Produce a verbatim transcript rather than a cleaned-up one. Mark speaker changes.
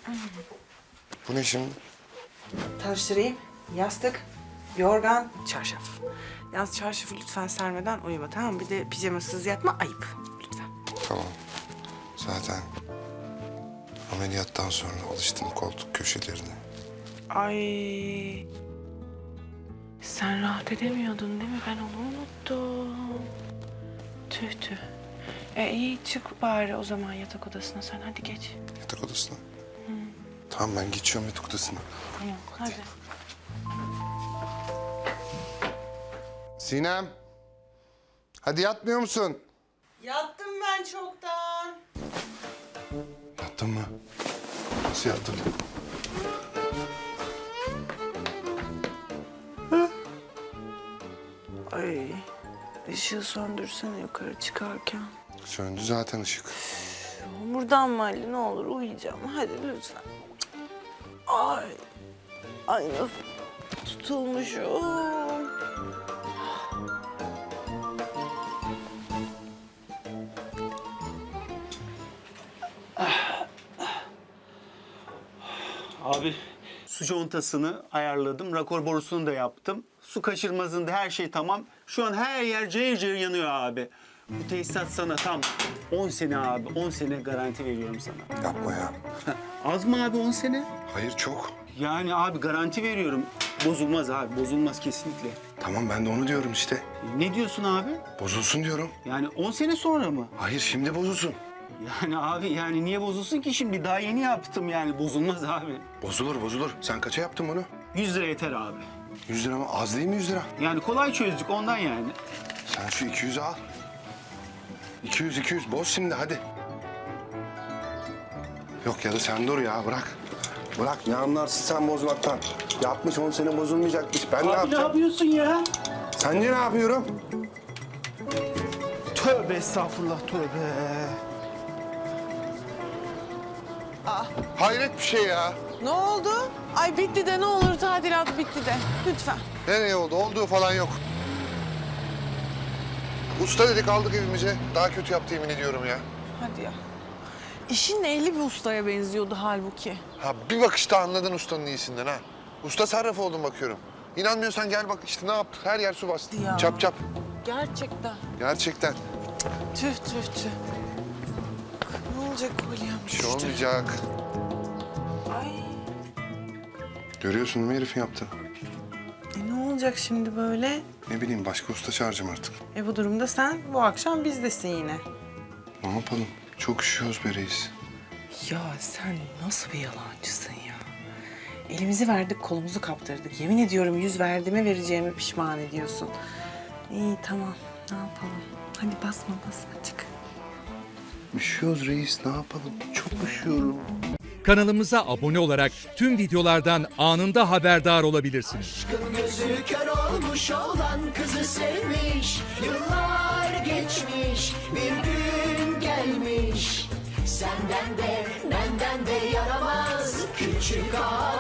Speaker 1: Bu ne şimdi?
Speaker 2: Tanıştırayım. Yastık, yorgan, çarşaf. Yalnız çarşafı lütfen sermeden uyuma, tamam mı? Bir de pijamasız yatma, ayıp. Lütfen.
Speaker 1: Tamam. Zaten ameliyattan sonra alıştım koltuk köşelerine.
Speaker 2: Ay. Sen rahat edemiyordun değil mi? Ben onu unuttum. Tüh tüh. E iyi, çık bari o zaman yatak odasına sen. Hadi geç.
Speaker 1: Yatak odasına. Hı. Tamam, ben geçiyorum yatak odasına.
Speaker 2: Tamam, hadi.
Speaker 1: Sinem. Hadi yatmıyor musun?
Speaker 2: Yattım ben çoktan.
Speaker 1: Yattın mı? Nasıl yattın?
Speaker 2: Ay. Işığı söndürsene yukarı çıkarken.
Speaker 1: Söndü zaten ışık.
Speaker 2: Buradan mı Ali? Ne olur uyuyacağım. Hadi lütfen. Ay. Ay nasıl tutulmuşum.
Speaker 3: Abi su contasını ayarladım, rakor borusunu da yaptım. Su kaçırmazında her şey tamam. Şu an her yer cayır cayır yanıyor abi. Bu tesisat sana tam on sene abi, on sene garanti veriyorum sana.
Speaker 1: Yapma ya.
Speaker 3: Az mı abi on sene?
Speaker 1: Hayır, çok.
Speaker 3: Yani abi garanti veriyorum. Bozulmaz abi, bozulmaz kesinlikle.
Speaker 1: Tamam, ben de onu diyorum işte.
Speaker 3: Ne diyorsun abi?
Speaker 1: Bozulsun diyorum.
Speaker 3: Yani on sene sonra mı?
Speaker 1: Hayır, şimdi bozulsun.
Speaker 3: Yani abi yani niye bozulsun ki şimdi? Daha yeni yaptım yani, bozulmaz abi.
Speaker 1: Bozulur, bozulur. Sen kaça yaptın bunu?
Speaker 3: yüz lira yeter abi.
Speaker 1: Yüz lira mı? Az değil mi yüz lira?
Speaker 3: Yani kolay çözdük ondan yani.
Speaker 1: Sen şu iki yüzü al. İki yüz, iki yüz. Boz şimdi, hadi. Yok ya da sen dur ya, bırak. Bırak, ne anlarsın sen bozmaktan? Yapmış on sene bozulmayacakmış. Ben ne
Speaker 3: Abi ne
Speaker 1: yapacağım?
Speaker 3: yapıyorsun ya?
Speaker 1: Sence ne yapıyorum?
Speaker 3: Tövbe estağfurullah, tövbe.
Speaker 1: Hayret bir şey ya.
Speaker 2: Ne oldu? Ay bitti de ne olur tadilat bitti de. Lütfen.
Speaker 1: Nereye oldu? Olduğu falan yok. Usta dedik, aldık evimize. Daha kötü yaptı, yemin ediyorum ya.
Speaker 2: Hadi ya. İşin ehli bir ustaya benziyordu halbuki.
Speaker 1: Ha, bir bakışta anladın ustanın iyisinden ha. Usta sarraf oldum bakıyorum. İnanmıyorsan gel bak işte ne yaptık. Her yer su bastı.
Speaker 2: Ya.
Speaker 1: Çap çap.
Speaker 2: Gerçekten.
Speaker 1: Gerçekten.
Speaker 2: Tüh tüh tüh. Ne olacak kolyem
Speaker 1: Bir şey olmayacak.
Speaker 2: Ay.
Speaker 1: Görüyorsun değil mi herifin yaptı?
Speaker 2: E ne olacak şimdi böyle?
Speaker 1: Ne bileyim, başka usta çağıracağım artık.
Speaker 2: E bu durumda sen bu akşam bizdesin yine.
Speaker 1: Ne yapalım? Çok üşüyoruz be reis.
Speaker 2: Ya sen nasıl bir yalancısın ya? Elimizi verdik, kolumuzu kaptırdık. Yemin ediyorum yüz verdiğime vereceğimi pişman ediyorsun. İyi tamam, ne yapalım? Hadi basma basma çık.
Speaker 1: Üşüyoruz reis, ne yapalım? Çok üşüyorum.
Speaker 4: Kanalımıza abone olarak tüm videolardan anında haberdar olabilirsiniz.
Speaker 5: Aşkın gözü kör olmuş olan kızı sevmiş. Yıllar geçmiş, bir gün gelmiş. Senden de benden de yaramaz küçük ağa.